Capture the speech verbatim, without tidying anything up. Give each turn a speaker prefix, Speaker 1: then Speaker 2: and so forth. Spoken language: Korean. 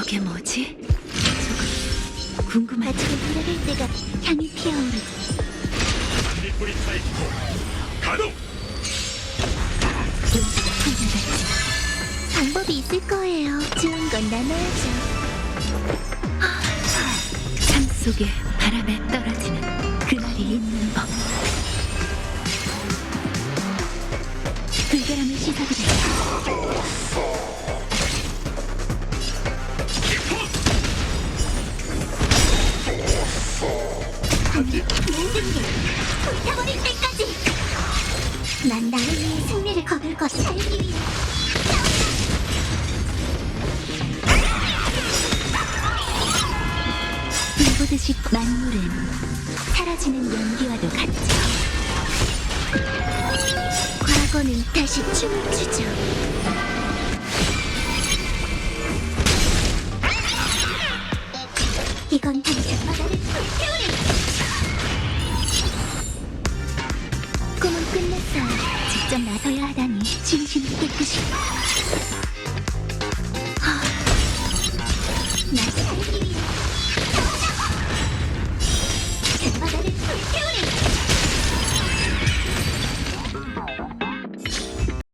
Speaker 1: 저게 뭐지? 저거 궁금하지?
Speaker 2: 아침에 돌아갈 때가 향이 피어오르고
Speaker 3: 뿌리 타입 가동!
Speaker 2: 용기가 풍부하지. 방법이 있을 거예요. 좋은 건 나눠야죠.
Speaker 1: 삶 속에 바람에 떨어지는 그날이 있는 법.
Speaker 2: 불결함을 씻어드려요. 모든 게 불타버릴 때까지 난 나를 위해 승리를 거둘 것을 살기 위해 불보듯이 만물은 사라지는 연기와도 같죠. 과거는 다시 춤을 추죠. 이건 당장 바다를 불태우리. 꿈은 끝났어요. 직접 나서야 하다니 진심이 깨끗이